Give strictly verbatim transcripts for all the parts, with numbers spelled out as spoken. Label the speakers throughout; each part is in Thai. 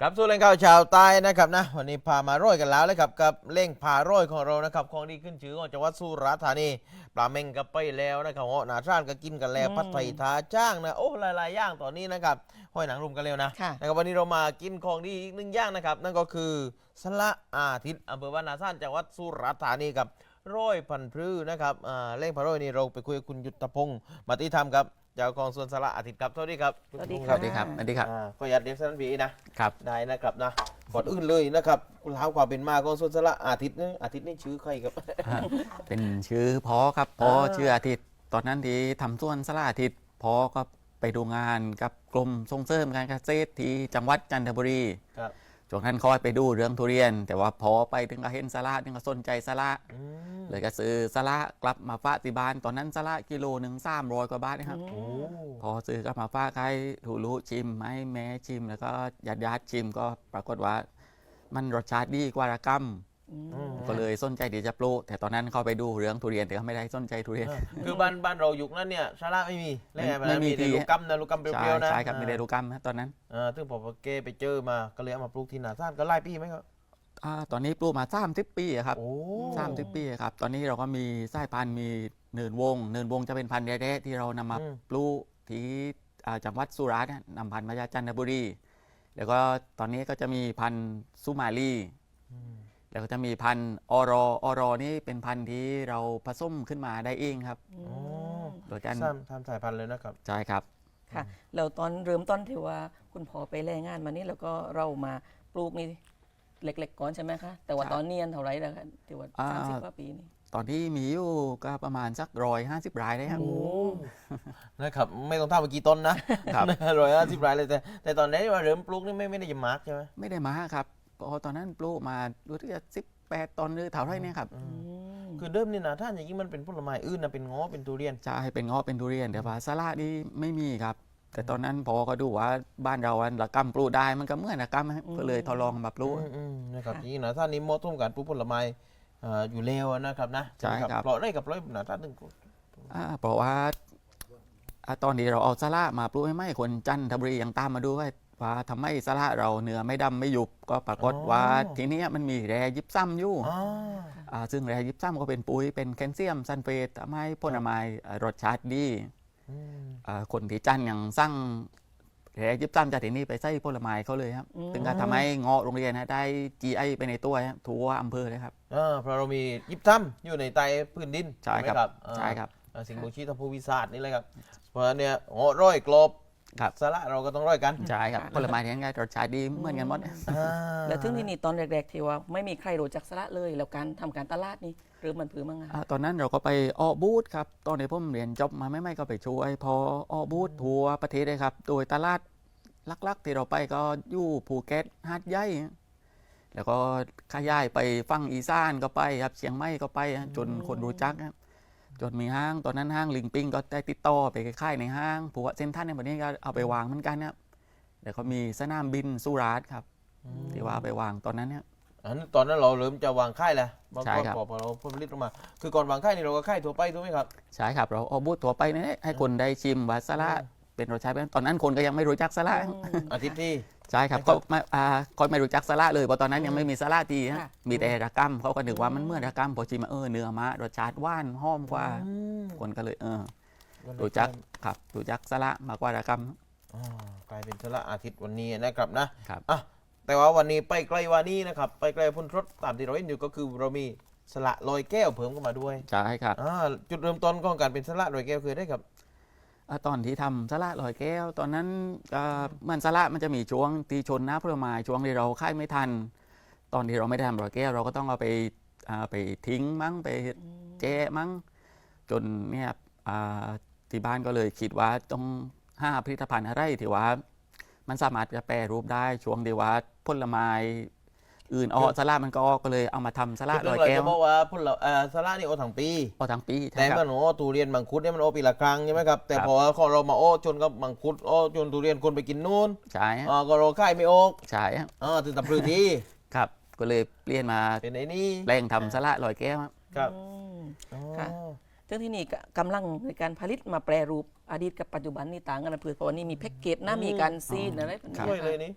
Speaker 1: กลับสู่เล่งข่าวชาวใต้นะครับนะวันนี้พามาโร่ยกันแล้วเลยครับกับเล่งพาโร่ยของเรานะครับของดีขึ้นชื่อของจังหวัดสุราษฎร์ธานีปลาเม่งก็ไปแล้วนะครับเหาะหนาซ่านก็กินกันแล้วผัดไทยทาจ้างนะโอ้หลายๆอย่างตอนนี้นะครับห้อยหนังรุมกันแล้วนะนะครับวันนี้เรามากินของดีอีกหนึ่งอย่างนะครับนั่นก็คือสละอาทิตย์อำเภอบ้านนาซ่านจังหวัดสุราษฎร์ธานีกับร้อยพันพลื้นะครับอ่าเล่งพาโร่ยนี่เราไปคุยกับคุณยุทธพงศ์มาติธรรมครับเจ้าของสวนสละอาทิตย์ครับสวัสดีครับ
Speaker 2: สวัสดี
Speaker 3: สวัสดีครับสวัสดีครับ
Speaker 1: อ่าก็อยากเรียกสั้นพีนะครับได้นะครับนะก่อนอื่นเลยนะครับคุณท้าความเป็นมาของสวนสละอาทิตย์นี่อาทิตย์นี่ชื่อใครครับ
Speaker 3: เป็นชื่อพอครับพอ
Speaker 1: อ่า
Speaker 3: ชื่ออาทิตย์ตอนนั้นที่ทำสวนสละอาทิตย์พอก็ไปดูงานกับกรมส่งเสริมการเกษตรที่จังหวัดจันทบุรี
Speaker 1: ครับ
Speaker 3: ช่วงนั้นคอยไปดูเรื่องทุเรียน แต่ว่าพอไปถึงก็เห็นสละถึงก็สนใจสละ
Speaker 1: อืม
Speaker 3: เลยก็ซื้อสละกลับมาฝากที่บ้านตอนนั้นสละกิโลหนึ่งสามร้อยกว่าบาทนะครับ
Speaker 1: โอ้
Speaker 3: พอซื้อกลับมาฝากให้ถูรู้ชิมให้แม่ชิม แล้วก็ญาติญาติชิมก็ปรากฏว่ามันรสชาติดีกว่าระกำ
Speaker 2: อืม
Speaker 1: อืม
Speaker 3: ก็เลยสนใจที่จะปลูกแต่ตอนนั้นเข้าไปดูเรื่องทุเรียนแต่ก็ไม่ได้สนใจทุเรียน
Speaker 1: อ่าคือบ้านบ้านเรายุคนั้นเนี่ยสละไม่มีแล้วไง
Speaker 3: ไม่มี
Speaker 1: แต่
Speaker 3: ที่
Speaker 1: ลูกกำนะลูกกำเป
Speaker 3: ใช่
Speaker 1: รี้ยวๆนะ
Speaker 3: ใช่ครับไม่ได้รู้กรรมนะตอนนั้น
Speaker 1: อ่าซึ่งพอเกไปเจอมาก็เลยเอามาปลูกที่นาซ่านก็ไล่ปีไหมครับ
Speaker 3: อาตอนนี้ปลูกมาสามสิบปีอะครับ
Speaker 1: โอ้
Speaker 3: สามสิบปีอะครับตอนนี้เราก็มีสายพันธุ์มีเนินวง เนินวงจะเป็นพันธุ์แท้ๆที่เรานำมา
Speaker 1: อืม
Speaker 3: ปลูกที่อ่าจังหวัดสุราษฎร์เนี่ยนำพันธุ์มาจากจันทบุรีแล้วก็ตอนนี้ก็จะมีพันธุ์สุมาลี
Speaker 1: อืม
Speaker 3: แล้วก็จะมีพันธุ์ออรอออรอนี่เป็นพันธุ์ที่เราผสมขึ้นมาได้เองครับ
Speaker 1: โอ้
Speaker 3: โดยการ
Speaker 1: ทำทำสายพันธุ์เลยนะครับ
Speaker 3: ใช่ครับ
Speaker 2: ค่ะแล้วตอนเริ่มต้นที่ว่าคุณพ่อไปแรงงานมานี่แล้วก็เรามาปลูกนี่เล็กๆก่อนใช่ไหมคะแต่ว่า
Speaker 3: ใช่
Speaker 2: ตอนเนียนเท่าไหรแล้วคะที่ว่า
Speaker 3: อ่า
Speaker 2: สามสิบกว่าปีนี่
Speaker 3: ตอนที่มีอยู่ก็ประมาณสักร้อยห้าสิบรายได้ครับ
Speaker 1: โอ้นะครับไม่ต้องทำเมื่อกี่ต้นนะครับ ร้อยห้าสิบรายเลยแต่แต่ตอนนี้ว่าเริ่มปลูกนี่ไม่ไม่ได้จะมาร์กใช่ไหม
Speaker 3: ไม่ได้มาครับเพราะตอนนั้นปลูกมาดูที่จะสิบแปดตอนหรือเท่าไรเนี่ยครับ
Speaker 1: อืม
Speaker 2: อืม
Speaker 1: คือเดิมนี่นะท่านอย่างนี้มันเป็นผลไม้อื่นนะเป็นง้อเป็นทุเรียน
Speaker 3: จะให้เป็นเงาะเป็นทุเรียนแต่ว่าสละนี่ไม่มีครับ แต่ตอนนั้นพอก็ดูว่าบ้านเราอันละกำปลูกได้มันก็เหมื่อนละกำครับก็เลยทดลองมาปลูก
Speaker 1: อืมอืมนะครับจริงๆนะท่านนี้เหมอต้มการปลูกผลไม้อ่าอยู่แล้วนะครับนะ
Speaker 3: ใช่ครับ
Speaker 1: เพราะได้กับร้อยนะท่านหนึ่ง
Speaker 3: อ่าเพราะว่าอ่าตอนที่เราเอาสละมาปลูกให้ไม่คนจันทบุรียังตามมาดูว่าว่าทำไมสละเราเนื้อไม่ดำไม่หยุบก็ปรากฏว่าทีเนี้ยมันมีแร่ยิบซ้ำอยู่
Speaker 1: อ๋อ
Speaker 3: อ่าซึ่งแร่ยิบซ้ำก็เป็นปุ๋ยเป็นแคลเซียมซัลเฟตทำให้ผลไม้อ่ารสชาติดี
Speaker 1: อืม
Speaker 3: อ่าคนที่จันยังสั่งแร่ยิบซ้ำจากที่นี่ไปใส่ผลไม้เขาเลยครับถึงก็ทำให้เงาะโรงเรียนนะได้ จี ไอ ไปในตัวครับทั่วอำเภอเลยครับ
Speaker 1: อ่าเพราะเรามียิบซ้ำอยู่ในใต้พื้นดิน
Speaker 3: ใช่ครับ
Speaker 1: ไหมอ่า
Speaker 3: ใช่ครับ
Speaker 1: อ่าสิ่งบ่งชี้ทางภูมิศาสตร์นี่เลยครับเพราะฉะนั้นเนี่ยโอ้ร้อยกลบ
Speaker 3: ครับ
Speaker 1: สละเราก็ต้องร้อยกัน
Speaker 3: ใช่ครับผลไม้ที่นั่นก็รสชาติดีเหมือนกันหมด
Speaker 1: อ่า
Speaker 2: แล้วถึงที่นี่ตอนแรกๆที่ว่าไม่มีใครรู้จักสละเลย แล้วการทำการตลาดนี่หรือมันผือมั้ง
Speaker 3: อ่า
Speaker 2: คะ
Speaker 3: ตอนนั้นเราก็ไปออกบูธครับ ตอนที่ผมเรียนจบมาไม่ไม่ก็ไปช่วยพอออกบูธทั่วประเทศเลยครับ โดยตลาดลักๆที่เราไปก็อยู่ภูเก็ตหาดใหญ่แล้วก็ขยายไปฝั่งอีสานก็ไปครับเชียงใหม่ก็ไปฮะจนคนรู้จักครับจนมีห้างตอนนั้นห้างลิงปิงก็ได้ติดต่อไปค่ายในห้างผัวเซ็นทรัลในวันนี้ก็เอาไปวางเหมือนกันครับแล้วก็มีสนามบินสุราษฎร์ครับที่ว่าเอาไปวางตอนนั้นเนี่ย
Speaker 1: อันนั้นตอนนั้นเราเริ่มจะวางค่ายแล้วบาง
Speaker 3: ใช่ครับ
Speaker 1: พอพอเราผลิตออกมา คือก่อนวางค่ายนี่เราก็ค่ายทั่วไปถูกไหมครับ
Speaker 3: ใช่ครับเราเอาบูธทั่วไปเนี่ยให้คนได้ชิมว่าสละเป็นรสชาติเป็นตอนนั้นคนก็ยังไม่รู้จักสละ
Speaker 1: อาทิตย์ที่
Speaker 3: ใช่ครับ
Speaker 1: ไม่ครั
Speaker 3: เขา
Speaker 1: บ
Speaker 3: ไม่อ่าคนไม่รู้จักสละเลยเพราะตอนนั้นยังไม่มีสละทีฮะ
Speaker 2: ค่ะ
Speaker 3: มีแต่ระกำเขาก็นึกว่ามันเหมื่อนระกำพอชิมมาเออเนื้อมารสชาติหวานหอมกว่า
Speaker 1: อืม
Speaker 3: คนก็เลยเออ
Speaker 1: วันนี้
Speaker 3: รู้จักครับรู้จักสละมากกว่าระก
Speaker 1: อ่ากลายเป็นสละอาทิตย์วันนี้นะครับนะครับ อ่ะแต่ว่าวันนี้ไปไกลกว่านี้นะครับไปไกลพ้นรถตามที่เราเห็นอยู่ก็คือเรามีสละลอยแก้วเพิ่มเข้ามาด้วย
Speaker 3: ำใช่ครับ
Speaker 1: อ่าจุดเริ่มต้นของการเป็นสละลอยแก้วคือได้ครับ
Speaker 3: อ่าตอนที่ทำสละลอยแก้ว ตอนนั้นอ่ามันสละมันจะมีช่วงตีชนน้ำผลไม้ช่วงที่เราค่ายไม่ทัน ตอนที่เราไม่ได้ทำลอยแก้วเราก็ต้องเอาไปอ่าไปทิ้งมั้งไป แจ้มั้งจนเนี่ยอ่าที่บ้านก็เลยคิดว่าต้องห้าผลิตภัณฑ์อะไรที่ว่ามันสามารถจะแปรรูปได้ช่วงที่ว่าผลไม้อื่นออกสละมันก็ออกก็เลยเอามาทำสละ
Speaker 1: จุด
Speaker 3: ล
Speaker 1: เริ่
Speaker 3: อ
Speaker 1: ม
Speaker 3: ย
Speaker 1: เรา
Speaker 3: แก้ว
Speaker 1: จะบอกว่าพุ่นเราเอ่อสละนี่โอทั้งปี
Speaker 3: ออกทั้งปี
Speaker 1: แต่
Speaker 3: ใช่ค
Speaker 1: มั
Speaker 3: รับ
Speaker 1: นโอ้ทุเรียนมังคุดเนี่ยมันโอปีละครั้งใช่ไหมครับแต่
Speaker 3: ครับ
Speaker 1: พอของเรามาโอ้จนกับมังคุดโอ้จนทุเรียนคนไปกินนู่น
Speaker 3: ใช่ฮะ
Speaker 1: อ่าก็เราค่ายไม่โอก
Speaker 3: ใช่ฮะ
Speaker 1: อ่าถึงตับพลือที่
Speaker 3: ครับก็เลยเปลี่ยนมา
Speaker 1: เป็นไอ้นี่
Speaker 3: แรงทำสละลอยแก้วครับ
Speaker 1: ครับ
Speaker 2: อืม
Speaker 1: อ๋อ
Speaker 2: ค่ะ ซึ่งที่นี่ก็กำลังในการผลิตมาแปรรูปอดีตกับปัจจุบันนี่ต่างกันนะเพื่อเพราะว่านี่มีแพ็กเกจนะมีการซีนอะไรแบบนี้
Speaker 1: ช่วยเลยนี่
Speaker 3: อ่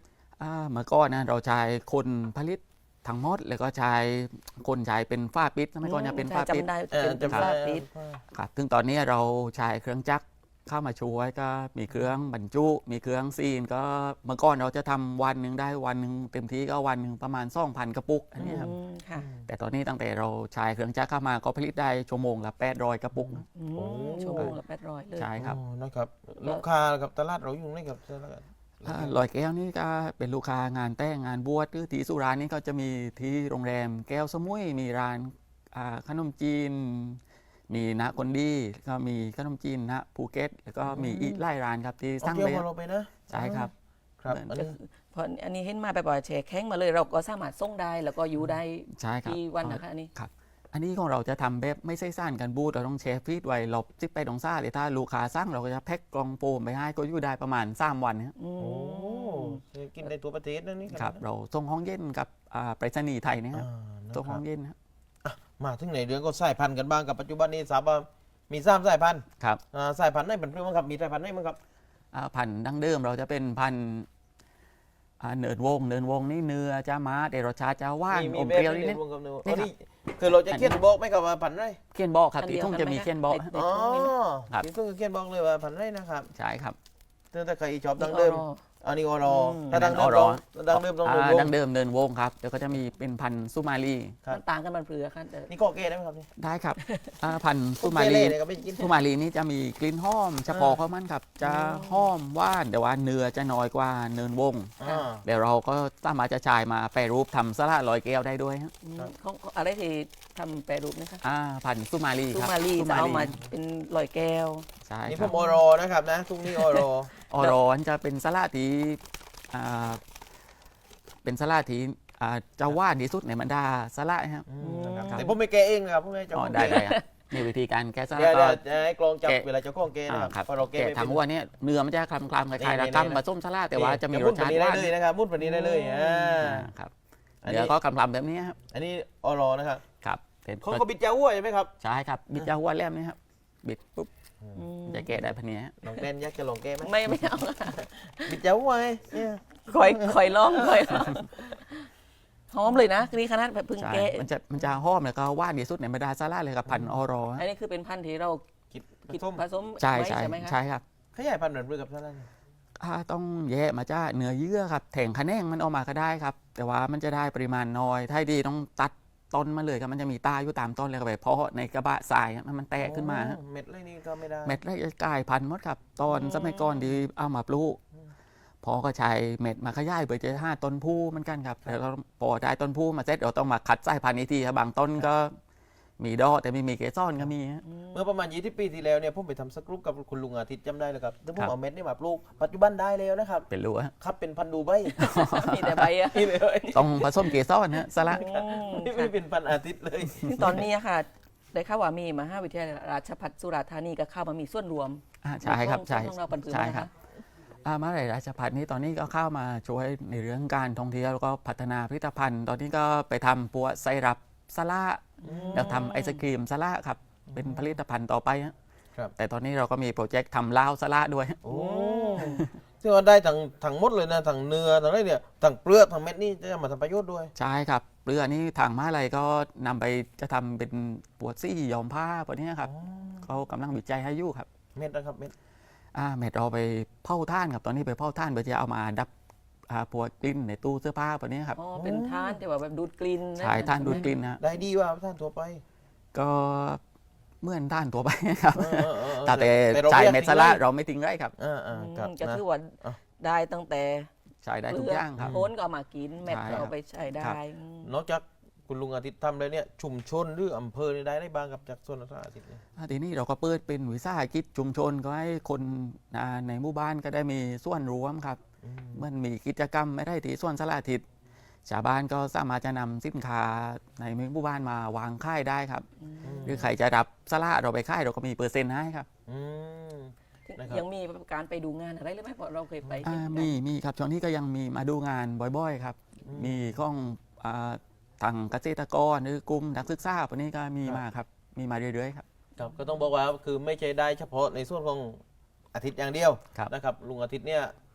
Speaker 3: อ่าเมื่อก่อนนะเราใช้คนผลิตทั้งหมดแล้วก็ใช้คนใช้เป็นฝ้าปิดสมัยก่อนจะเป็นฝ้าปิด
Speaker 2: จำได้
Speaker 1: เออ
Speaker 2: เป็น
Speaker 1: จำ
Speaker 2: ฝ้า
Speaker 1: ได้
Speaker 2: ปิด
Speaker 3: ครับซึ่งตอนนี้เราใช้เครื่องจักรเข้ามาช่วยก็มีเครื่องบรรจุมีเครื่องซีนก็เมื่อก่อนเราจะทำวันหนึ่งได้วันหนึ่งเต็มที่ก็วันหนึ่งประมาณสองพันกระปุกอันนี้ครับ
Speaker 2: อืมค่ะ
Speaker 3: แต่ตอนนี้ตั้งแต่เราใช้เครื่องจักรเข้ามาก็ผลิตได้ชั่วโมงละแปดร้อยกระปุก
Speaker 2: อืม
Speaker 1: โอ้
Speaker 2: ชั่วโมงละแปดร้อยเลย
Speaker 3: ใช่ครับ
Speaker 1: อ๋อนะครับลูกค้ากับตลาดเราอยู่ไหนครับตลาด
Speaker 3: อ่าลอยแก้วนี่ก็เป็นลูกค้างานแต่งงานบวชหรือที่สุรานี่ก็จะมีที่โรงแรมแก้วสมุยมีร้านอ่าขนมจีน มีนะคนดีก็มีขนมจีนนะภูเก็ตแล้วก็มีอีกหลายร้านครับที่
Speaker 1: เอา
Speaker 3: สร้าง
Speaker 1: เที่ยว
Speaker 3: เลย
Speaker 1: มาเราไปนะ
Speaker 3: ใช่ครับ
Speaker 1: ครับอันนี้
Speaker 2: เพราะอันนี้เห็นมาแบบว่าแชร์แข้งมาเลยเราก็สามารถส่งได้แล้วก็อยู่ได้
Speaker 3: ใช่ครับ
Speaker 2: กี่วันนะคะอันนี้
Speaker 3: ครับ อันนี้ของเราจะทำแบบไม่ใช่สั้นกันบูธเราต้องแชร์ฟีดไว้หลบซิปไปตรงซ่าเลยถ้าลูกค้าสั่งเราก็จะแพ็คกล่องโฟมไปให้ก็อยู่ได้ประมาณสามวันครับ
Speaker 2: อืม
Speaker 1: โอ้กินในตัวประเทศนั่นนี่
Speaker 3: ครับเราส่งห้องเย็นกับอ่าไปรษณีย์ไทยนะค
Speaker 1: อ่า
Speaker 3: รับ
Speaker 1: นะ
Speaker 3: ส่ง
Speaker 1: ค
Speaker 3: ห้
Speaker 1: รั
Speaker 3: อบ งเย็นนะครับ
Speaker 1: มาถึงไหนเรื่องก็สายพันธุ์กันบ้างกับปัจจุบันนี้ทราบว่ามีสามสายพันธุ์
Speaker 3: ครับ
Speaker 1: อ่าสายพันธุ์ไหนเป็นเพื่อนบ้างครับมีสายพันธุ์ไหนบ้างครับ
Speaker 3: อ่าพันธุ์ดั้งเดิมเราจะเป็นพันธุ์อ่าเนิร์ดวงเนิร์ดวงนี่เนื้อจะมาแต่รสชาติจะหว่าน
Speaker 1: มี
Speaker 3: อม
Speaker 1: แบ
Speaker 3: เป
Speaker 1: บ
Speaker 3: รี้ยว
Speaker 1: นี้
Speaker 3: นิด
Speaker 1: รวมกับเนื้อ
Speaker 3: นี่
Speaker 1: อ๋อ
Speaker 3: ครับ
Speaker 1: นี่คือเราจะเขียนบอกไหมครับว่าพันธุ์ไร
Speaker 3: ๆเขียนบอกครับ
Speaker 2: อัน
Speaker 3: ที่
Speaker 2: เดียว
Speaker 3: ทุ่ง
Speaker 2: กัน
Speaker 3: จะ
Speaker 2: ไหม
Speaker 3: มี
Speaker 2: คะ
Speaker 3: เขียนบอก
Speaker 2: ในใน
Speaker 1: อ๋อ
Speaker 2: ทุ่งนี้ไหม
Speaker 3: ครับ
Speaker 1: ที่เพิ่งเขียนบอกเลยว่าพันธุ์ไรนะครับ
Speaker 3: ใช่ครับ
Speaker 1: แต่ถ้าใครชอบดังเดิม อันนี้อรอ
Speaker 2: อืม
Speaker 1: ถ้าดังเดิม
Speaker 3: อร
Speaker 1: ต้
Speaker 3: อ
Speaker 1: องดังเดิมต้อง
Speaker 3: อ่า
Speaker 1: เดิมว
Speaker 3: ดั้
Speaker 1: ง
Speaker 3: งเดิมเนินวงครับแล้วก็จะมีเป็นพันธุ์สุมาลี
Speaker 1: ครับ
Speaker 2: มันต่างกันมันเปลือกค่ะแต่
Speaker 1: นี่ข้อเกย์ได้ไหมครับนี่
Speaker 3: ได้ครับอ่าพันธุ์สุ
Speaker 1: เก
Speaker 3: มา
Speaker 1: เล่
Speaker 3: ลี
Speaker 1: เนี่ยก็ไม่กิน
Speaker 3: สุมาลีนี่จะมีกลิ่นหอมเฉพาะของมันครับจะหอมหว่านแต่ว่าเนื้อจะน้อยกว่าเนินวง
Speaker 1: อ่า
Speaker 3: เดี๋ยวเราก็สามารถจะชายมาแปรรูปทำสลัดลอยแก้วได้ด้วยฮะ
Speaker 2: อืม
Speaker 1: ครับ
Speaker 2: เขาเขาอะไรที่ทำแปรรูปนะคะ
Speaker 3: อ่าพันธุ์สุมาลี
Speaker 2: ซู
Speaker 3: ครับ
Speaker 2: มารี
Speaker 3: สุ
Speaker 2: จะเอามาเป็นลอยแก้ว
Speaker 3: ใช่
Speaker 1: นี่
Speaker 3: ค
Speaker 1: ผ
Speaker 3: รับ
Speaker 1: มอรอนะครับนะทุกนี้อรอ
Speaker 3: ออรอนจะเป็นสลัดที่อ่าเป็นสลัดที่อ่าจะหว่านที่สุดในบรรดาสลัดครับ
Speaker 1: อืมนะครับ
Speaker 3: ครับ
Speaker 1: แต่ผมไม่แกะเองนะครับผมไม่จะ
Speaker 3: อ๋อได้ได้ครับมีวิธีการแก้สลั
Speaker 1: เดี๋
Speaker 3: ด
Speaker 1: ยว
Speaker 3: ก็
Speaker 1: เดี๋ยวให้กลองจับ
Speaker 3: แกะ
Speaker 1: เวลาจะข้องแกะ
Speaker 3: อ่า
Speaker 1: นะครับ
Speaker 3: ครับ
Speaker 1: เพราะเราแกะ
Speaker 3: แกะ
Speaker 1: ไม่
Speaker 3: ทาง
Speaker 1: เป็น
Speaker 3: วัวเนี่ยเนื้อมันจะคลำคลำๆคล้ายๆ
Speaker 1: นี่
Speaker 3: ระ
Speaker 1: นี่
Speaker 3: กำผสมสลัดแต่ว่าจะมีรสชาติ
Speaker 1: มุด
Speaker 3: ห
Speaker 1: แบบ
Speaker 3: วาน
Speaker 1: นี้ได้เลยนะครับมุดแบบนี้ได้เลยอ่า
Speaker 3: อ่าครับ
Speaker 1: อันนี้
Speaker 3: เดี๋ยวก็คลำๆแบบนี้ครับ
Speaker 1: อันนี้อรอนะครับ
Speaker 3: ครับเป็น
Speaker 1: เขาเขาบิดเจ้าหัวใช่ไหมครับ
Speaker 3: ใช่ครับบิดจะหัวแหลมนี่ครับบิดปุ๊บ
Speaker 2: อืม
Speaker 3: จะแกะได้พันนี้ฮะ
Speaker 1: ลองเต้นยักษ์จะลองแกะไหม
Speaker 2: ไม่ไม่เอา
Speaker 1: บิดเจ้าหัวไงเนี่ย
Speaker 2: คอยคอยลองคอยลองหอมเลยนะนี่ขนาดแบบเพึ่ง
Speaker 3: ใช่
Speaker 2: แกะ
Speaker 3: มันจะมันจะหอมแล้วก็หว่านที่สุดในบรรดาสลัดเลยครับพันธุ์ออรอ
Speaker 2: อันนี้คือเป็นพันธุ์ที่เรา
Speaker 1: คิด
Speaker 2: คิด
Speaker 1: ส้ม
Speaker 2: ผสม
Speaker 3: ใช่
Speaker 2: ไว้
Speaker 3: ใช่
Speaker 2: ใช่ไหมคะ
Speaker 3: ใช่ครับ
Speaker 1: ขยายพันธุ์เหมือนเพื่อกับท่านนั่น
Speaker 3: อ่าต้องแยกมาจ้าเนื้อเยื่อครับแถงคะแนงมันออกมาก็ได้ครับ แต่ว่ามันจะได้ปริมาณน้อยถ้าดีต้องตัดต้นมาเลยครับมันจะมีตาอยู่ตามต้นเลยครับไปเพาะในกระบะทรายครับให้มันแตกขึ้นมาฮะ
Speaker 1: เม็ดเลยนี่ก็ไม่ได้
Speaker 3: เม็ดแรกจะกลายพันธุ์หมดครับตอนสมัยก่อนที่เอามาปลูกพอก็ใช้เม็ดมาขยายเพื่อจะห้าต้นผู้เหมือนกันครับแล้วก็พอได้ต้นผู้มาเสร็จเราต้องมาคัดสายพันธุ์อีกทีครับบางต้นก็มีดอกแต่ไม่มีเกสรก็มีฮะ
Speaker 1: เมื่อประมาณยี่สิบปีที่แล้วเนี่ยผมไปทำสกรูปกับคุณลุงอาทิตย์จำได้เลยครับแล้วผม
Speaker 3: ครับ
Speaker 1: เอาเม็ดนี่มาปลูกปัจจุบันได้แล้วนะครับ
Speaker 3: เป็นรั้วฮะ
Speaker 1: ครับเป็นพันธุ์ดูใบ
Speaker 2: มีแต่ใบอะ
Speaker 1: นี่เลย
Speaker 3: ต้องผสมเกสรฮะสละ
Speaker 2: อืม
Speaker 1: นี่ไม่เป็นพันธุ์อาทิตย์เลย
Speaker 2: ซึ่งตอนนี้อะค่ะ ได้ข่าวว่ามีมหาวิทยาลัยราชภัฏสุราษฎร์ธานีก็เข้ามามีส่วนรวม
Speaker 3: อ่าใช่ครับใช่
Speaker 2: ของเราปันปืน
Speaker 3: ใช่
Speaker 2: นะ
Speaker 3: ครั
Speaker 2: คะ
Speaker 3: บ อ่ามหาวิทยาลัยราชภัฏนี้ตอนนี้ก็เข้ามาช่วยในเรื่องการท่องเที่ยวแล้วก็พัฒนาผลิตภัณฑ์ ตอนนี้ก็ไปทำปัวไซรัปสละแล้วทำไอศครีมสละครับเป็นผลิตภัณฑ์ต่อไปฮะ
Speaker 1: ครับ
Speaker 3: แต่ตอนนี้เราก็มีโปรเจกต์ทำลาวสละด้วย
Speaker 1: โอ้ซึ่งว่าได้ทั้งทั้งหมดเลยนะทั้งเนื้อทั้งอะไรเนี่ยทั้งเปลือกทั้งเม็ดนี่จะมาทำประโยชน์ด้วย
Speaker 3: ใช่ครับเรือนี้ทางมหาลัยก็นำไปจะทำเป็นปวดซี่ย้อมผ้าพวกนี้ครับเขากำลังวิจัยให้อยู่ครับ
Speaker 1: เม็ดนะครับเม็ด
Speaker 3: อ่าเม็ดเราไปเผาท่านครับตอนนี้ไปเผาท่านเพื่อจะเอามาดับอ่าปวดกลิ่นในตู้เสื้อผ้าพวกนี้ครับ
Speaker 2: อ๋อเป็นท่านที่ว่าแบบดูดกลิ่นนะ
Speaker 3: ใช่ท่านดูดกลิ่นนะ
Speaker 1: ได้ดีว่าท่านทั่วไป
Speaker 3: ก็เหมื่อนท่านตัวไปครับ
Speaker 1: เออเออเออ
Speaker 3: แต่
Speaker 1: รา
Speaker 3: ใช้
Speaker 1: รียก
Speaker 3: เม็ดสละเราไม่ทิ้งไรครับ
Speaker 1: อ่า
Speaker 2: อื
Speaker 1: อ่าม ครับ
Speaker 2: ก็
Speaker 1: นะ
Speaker 2: คือว่า
Speaker 1: อ่ะ
Speaker 2: ได้ตั้งแต่
Speaker 3: ใช้ได้ทุกอย่างครับ
Speaker 2: โคนก็เอามากินแมท
Speaker 3: ใช่
Speaker 2: ก็
Speaker 3: ครับ
Speaker 2: เอาไปใช้ได้
Speaker 3: ครับ
Speaker 2: อืม
Speaker 1: นอกจากคุณลุงอาทิตย์ทำเลยเนี่ยชุมชนหรืออำเภอนี่ได้ได้บ้างกับจากส่วนราชอาทิตย์เนี่ย
Speaker 3: อ่าทีนี้เราก็เปิดเป็นวิสาหกิจชุมชนก็ให้คนอ่าในหมู่บ้านก็ได้มีส่วนร่วมครับ
Speaker 1: อืม
Speaker 3: มันมีกิจกรรมไม่ได้ที่ส่วนสละอาทิตย์ชาวบ้านก็สามารถจะนำสินค้าในหมู่บ้านมาวางค่ายได้ครับ หรือใครจะรับสละเราไปค่ายเราก็มีเปอร์เซ็นต์ให้ครับ
Speaker 1: อืม นะครับ
Speaker 2: ยังมีการไปดูงานอะไรหรือไม่เพราะเราเคยไป
Speaker 3: อ่า
Speaker 2: เห็นกัน
Speaker 3: มีมีครับช่วงนี้ก็ยังมีมาดูงานบ่อยๆครับ มีของอ่าทางเกษตรกรหรือกลุ่มนักศึกษาพวกนี้ก็มีมาครับมีมาเรื่อยๆครับ
Speaker 1: ครับก็ต้องบอกว่าคือไม่ใช่ได้เฉพาะในส่วนของอาทิตย์อย่างเดียว
Speaker 3: ครับ
Speaker 1: นะครับลุงอาทิตย์เนี่ย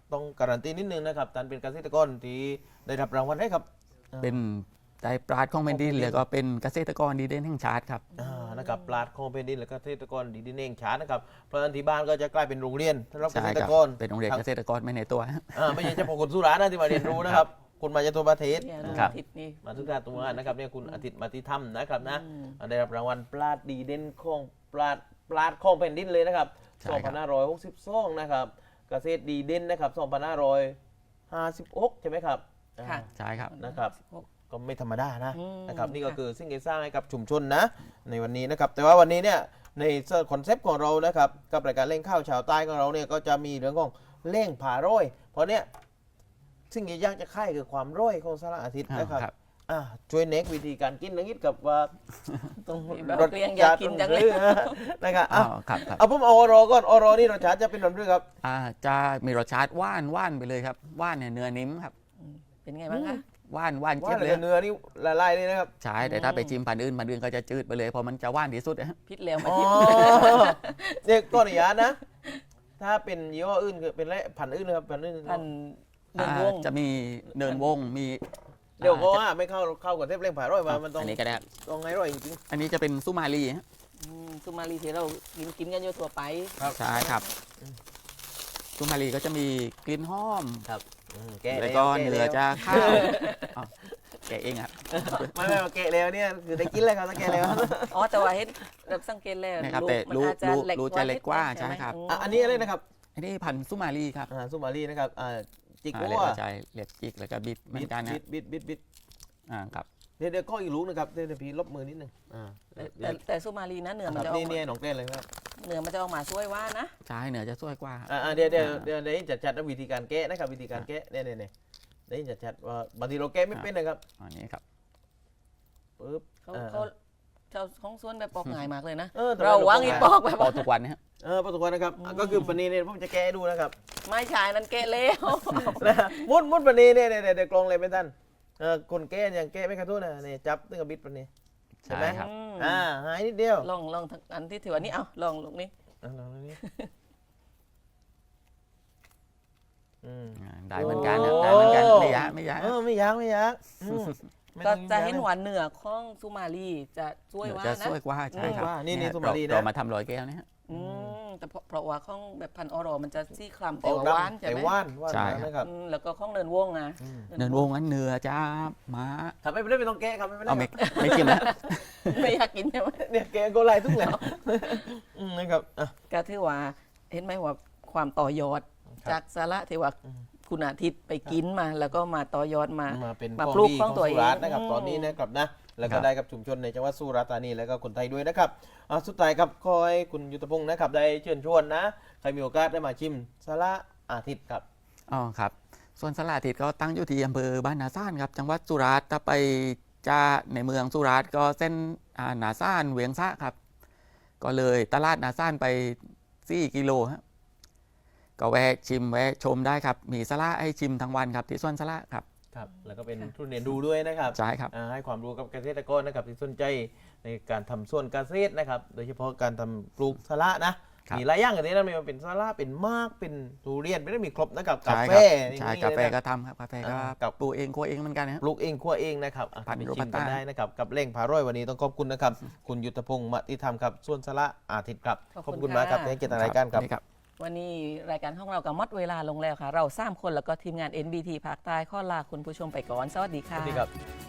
Speaker 1: ต้องการันตีนิดนึงนะครับท่านเป็นเกษตรกรที่ได้รับรางวัลได้ครับ
Speaker 3: เป็นได้ปราดของแผ่นดินแล้วก็เป็นเกษตรกรดีเด่นแห่งชาติครับ
Speaker 1: อ่านะครับปราดของแผ่นดินและเกษตรกรดีดินเองชาตินะครับเพราะฉะนั้นที่บ้านก็จะกลายเป็นโรงเรียนสำหรับเก
Speaker 3: ใช่
Speaker 1: ษตร
Speaker 3: ครับ
Speaker 1: กร
Speaker 3: เป็นโรงเรียนเกษตรกรไม่ในตัวฮะ
Speaker 1: อ่าไม่ใช่เฉพาะคนสุราษฎร์นะที่มาเรียนรู้นะครับคุณมาจากทั่วประเทศ
Speaker 2: เนี่ย
Speaker 3: ครับ
Speaker 2: อาทิตย์นี้
Speaker 1: มาทุกท่านตัวนะครับเนี่ยคุณอาทิตย์มาติธรรมนะครับนะ
Speaker 2: อืม
Speaker 1: ได้รับรางวัลปราดดีเด่นของปราดปราดของแผ่นดินเลยนะครับ
Speaker 3: ใช่
Speaker 1: สอง
Speaker 3: ครั
Speaker 1: พั
Speaker 3: บ
Speaker 1: นห้าร้อยหกสิบสองนะครับเกษตรดีเด่นนะครับสองพันห้าร้อยห้าสิบหกใช่ไหมครับ
Speaker 2: ค่ะ
Speaker 1: อ่า
Speaker 3: ใช่ครับ
Speaker 1: นะครับ ก็ไม่ธรรมดานะ
Speaker 2: อืม
Speaker 1: นะครับนี่ก็
Speaker 2: ค่ะ
Speaker 1: คือสิ่งที่สร้างให้กับชุมชนนะในวันนี้นะครับแต่ว่าวันนี้เนี่ยในคอนเซปต์ของเรานะครับกับรายการเล่งข้าวชาวใต้ของเราเนี่ยก็จะมีเรื่องของเล่งผาร้อยเพราะเนี่ยสิ่งที่ยากจะค่ายคือความร้อยของสารอาทิตย์นะครับ
Speaker 3: ครับ
Speaker 1: อ่ะช่วยเน็กวิธีการกินนักนิดกับว่าต้อง
Speaker 2: แบบเรียงอยากกินจังเลย
Speaker 1: นะครับ
Speaker 3: อ๋
Speaker 1: อ่ะ
Speaker 3: อครับครับ
Speaker 1: เอาผมเอาออรอก่อนออรอนี่รสชาติจะเป็นแบบนี้ครับ
Speaker 3: อ่าจะมีรสชาติหว่านหว่านไปเลยครับหว่านเนี่ยเนื้อนิ่มครับ
Speaker 2: เป็นไงบ้างคะ
Speaker 3: หว่านหว่าน
Speaker 1: ว่า
Speaker 3: เจี๊ยบ
Speaker 1: เห
Speaker 3: เล
Speaker 1: ลื
Speaker 3: ย
Speaker 1: อเนื้อนี่ละลายเลยนะครับ
Speaker 3: ใช่แต่ถ้าไปจิ้มพันธุ์อื่นพันธุ์อื่นก็จะจืดไปเลยเพราะมันจะหว่านที่สุดนะฮะ
Speaker 2: พิษแล้วมา
Speaker 1: อ๋อ
Speaker 2: ทิพย์
Speaker 1: เนี่ยก็อนุญาตนะ ถ้าเป็นยี่ห้ออื่นคือเป็นอะไรพันธุ์อื่นนะครับพันธุ์อื่น
Speaker 2: พันเดินวง
Speaker 3: อ่าจะมีเนินวงมี
Speaker 1: เดี๋ยวก็
Speaker 3: อ่า
Speaker 1: ว่าไม่เข้าเข้ากับเทปเล่งผ่าร้อยมามันต้อง
Speaker 3: อันนี้ก็ได้ครับ
Speaker 1: ต้องไงร้อยจริง
Speaker 3: อันนี้จะเป็นสุมาลีฮะ
Speaker 2: อืมสุมาลีที่เรากินกินกันอยู่ทั่วไป
Speaker 3: ใช่ครับสุมาลีก็จะมีกลิ่นหอม
Speaker 1: ๆอืมแกะ
Speaker 3: แล้ว
Speaker 1: ว
Speaker 3: ก็
Speaker 1: แะ
Speaker 3: เนื้อ
Speaker 1: แล้ว
Speaker 3: จะข้าวอ้าวแกะเองครับ
Speaker 1: ไม่ไม่มาแกะแล้วเนี่ยคือได้กินแล้วครับถ้าแกะแล้ว
Speaker 2: อ๋อแต่ว่าเห็นแบบสังเกตแล้ว
Speaker 3: นะครับ
Speaker 2: ลู
Speaker 3: แต่
Speaker 2: กมัน
Speaker 3: ลูก
Speaker 2: อาจจะ
Speaker 3: ลูก
Speaker 2: เล็ก
Speaker 3: ลูก
Speaker 2: กว่า
Speaker 3: จะเล็กกว่า
Speaker 2: นิดนึง
Speaker 3: ใช่ไหมครับ
Speaker 1: อ่ะอันนี้อะไรนะครับ
Speaker 3: อันนี้พันธุ์สุมาลีครับ
Speaker 1: อ่าสุมาลีนะครับอ่าจิก
Speaker 3: อ่า
Speaker 1: กั
Speaker 3: เรียก
Speaker 1: ว
Speaker 3: ว่าใจเรียกจิกแล้วก็บิดเหมือนกันนะ
Speaker 1: บิดบิดบิดบิด
Speaker 3: อ่าครับ
Speaker 1: เดี๋ยวเดี๋ยวก็อีกลูกนะครับเดี๋ยวเดี๋ยวพี่ลบมือนิดนึงอ่า
Speaker 2: แต่แต่แต่สุมาลีนะเนื้อ
Speaker 1: ค
Speaker 2: มัน
Speaker 1: รับ
Speaker 2: จะออ
Speaker 1: นี่
Speaker 2: ก
Speaker 1: นี่
Speaker 2: มา
Speaker 1: หนองเต้นเลยครับ
Speaker 2: เนื้อมันจะออกมาสวยว่านะ
Speaker 3: ใช่เนื้อจะสวยกว่าครับ
Speaker 1: อ่าอ่าเดี๋ยวเดี๋ยวเดี๋ยวเดี๋ยวจัดจัดวิธีการแกะนะครับวิธีการแกะเนี่ยเนี่ยเนี่ยเดี๋ยวจัดจัดว่าบางทีเราแกะไม่เป็นนะครับ
Speaker 3: อันนี้ครับ
Speaker 1: ปึ๊บ
Speaker 2: เขา
Speaker 1: อ่า
Speaker 2: เขาชาวของสวนแบบปอกง่ายมากเลยนะ
Speaker 1: เออแต่
Speaker 2: เราวางอีปอกแบบ
Speaker 3: ปอกทุกวันนะฮะ
Speaker 1: เออประสบการณ์นะครับอ่ะก็คือปนีเนี่ยผมจะแกะให้ดูนะครับ
Speaker 2: ไม่ใช่นั้นเกะเลว
Speaker 1: นะมุดมุดปนีเนี่ยเนี่ยเนี่ยเดี๋ยวกลองเลยเป็นท่านเออคนแกะยังแกะไม่กระทุ้นนะเนี่ยจับตึ้งกับบิดปนี ใช่
Speaker 3: ใช่
Speaker 1: ไหม
Speaker 3: ครับ
Speaker 2: อืม
Speaker 1: อ่าหายนิดเดียว
Speaker 2: ลองลองทั้งอันที่ถือว่านี่เอาลองลูกนี้
Speaker 1: อ่ะลองดูนี่อืม
Speaker 3: อ่าได้เหมือนกันนะได้เหมือนกันไม่ยากไม่ยาก
Speaker 1: เออไม่ยากไม่ยากอืมไม่
Speaker 2: ก็
Speaker 1: ต้อง
Speaker 2: จะ
Speaker 1: ยุ่งยาก
Speaker 2: เห็น
Speaker 1: นะ
Speaker 2: หวานเหนือของสุมาลีจะช่วย
Speaker 3: เนื้อ
Speaker 2: ว่า
Speaker 3: จะ
Speaker 2: นะ
Speaker 3: สวยกว่าใช่ครับ
Speaker 1: ว่านี่นี่
Speaker 3: เย
Speaker 1: สุมาลีนะ
Speaker 3: เรามาทำร้อยแก้วนะฮะ
Speaker 2: อืมแต่เพราะเพราะว่าของแบบพันธุ์ออรอมันจะซี่คลำแต่
Speaker 1: ออก
Speaker 2: ว่า
Speaker 1: รับ
Speaker 2: หวานใช่
Speaker 1: แต่
Speaker 2: ไหม
Speaker 1: ว่านว่าน
Speaker 3: ใช่
Speaker 1: นะครับ
Speaker 2: อืมแล้วก็ของเนินวงอ่ะ
Speaker 1: อืม
Speaker 3: เนินวงนั้นเนื้อจะมา
Speaker 1: ทำไม่ได้ไม่ต้องแกะครับไม่ได้
Speaker 3: เอา
Speaker 1: ค
Speaker 3: ไม่
Speaker 1: รับ
Speaker 3: ไม่กินแล้ว
Speaker 2: ไม่อยากกินใช่ไหม
Speaker 1: เนี่ยแกะโกไลทุกแล้วอืมนะครับอ่ะ
Speaker 2: ก็ถือว่าเห็นไหมว่าความต่อยอด
Speaker 1: ครับ
Speaker 2: จากสาระที่ว่า
Speaker 1: อืม
Speaker 2: คุณอาทิตย์ไปกินมา แล้วก็มาต่อยอดมา
Speaker 1: มาเป็น
Speaker 2: มา
Speaker 1: ของ
Speaker 2: ปลูก
Speaker 1: ดี
Speaker 2: ของตัว
Speaker 1: สุราษฎร์
Speaker 2: เอง
Speaker 1: นะครับ
Speaker 2: อืม
Speaker 1: ตอนนี้นะครับนะแล้วก็
Speaker 3: ครับ
Speaker 1: ได้กับชุมชนในจังหวัดสุราษฎร์ธานีแล้วก็คนไทยด้วยนะครับอ่ะสุดท้ายครับคอยคุณยุทธพงศ์นะครับได้เชิญชวนนะใครมีโอกาสได้มาชิมสาระอาทิตย์ครับ
Speaker 3: อ๋อครับ ส่วนสลาทิตก็ตั้งอยู่ที่อำเภอบ้านนาซ่านครับจังหวัดสุราษฎร์ถ้าไปจะในเมืองสุราษฎร์ก็เส้นอ่านาซ่านเวียงซะครับ ก็เลยตลาดนาซ่านไปสี่กิโลฮะก็แวะชิมแวะชมได้ครับ มีสละให้ชิมทั้งวันครับที่สวนสละครับ
Speaker 1: ครับแล้วก็เป็นทุนเรียนดูด้วยนะครับ
Speaker 3: ใช่ครับ
Speaker 1: อ่าให้ความรู้กับเกษตรกรนะครับที่สนใจในการทำสวนเกษตรนะครับ โดยเฉพาะการทำปลูกสาระนะครับ มีหลายอย่างอย่างนี้นะไมันเป็นสาระเป็นมากเป็นทุเรียนไม่ได้มีครบนะครับกา
Speaker 3: ใช่
Speaker 1: แฟ
Speaker 3: ครับ
Speaker 1: อย่ง
Speaker 3: ใช่
Speaker 1: นี้
Speaker 3: กาแฟ
Speaker 1: เลยนะ
Speaker 3: ก็ทำครับกาแฟก็
Speaker 1: อ่ากับ
Speaker 3: ปลูกเองคั่วเองเหมือนกันนะครับ
Speaker 1: ปลูกเองคั่วเองนะครับอ่ะ
Speaker 3: พันธุ์
Speaker 1: ไป
Speaker 3: โร
Speaker 1: ชิ
Speaker 3: บั
Speaker 1: ม
Speaker 3: ส
Speaker 1: กัน
Speaker 3: ต้า
Speaker 1: ได้นะครับกับเล่งผาร้อยวันนี้ต้องขอบคุณนะครับ คุณยุทธพงศ์มติธรรมครับส่วนสาระอาทิตย์ครับ
Speaker 2: ขอบ
Speaker 1: ขอบ
Speaker 2: คุ
Speaker 1: คุณ
Speaker 2: ณ
Speaker 1: มากครับ
Speaker 2: ค่ะ
Speaker 1: ที่ให้เกียรติรายการครับ
Speaker 3: นี่ครับ
Speaker 2: วันนี้รายการของเราก็หมดเวลาลงแล้วค่ะ เราสามคนแล้วก็ทีมงาน เอ็น บี ที ภาคใต้ข้อลาคุณผู้ชมไปก่อน สวัสดี
Speaker 1: ส
Speaker 2: ค่ะ
Speaker 1: วัสดีครับ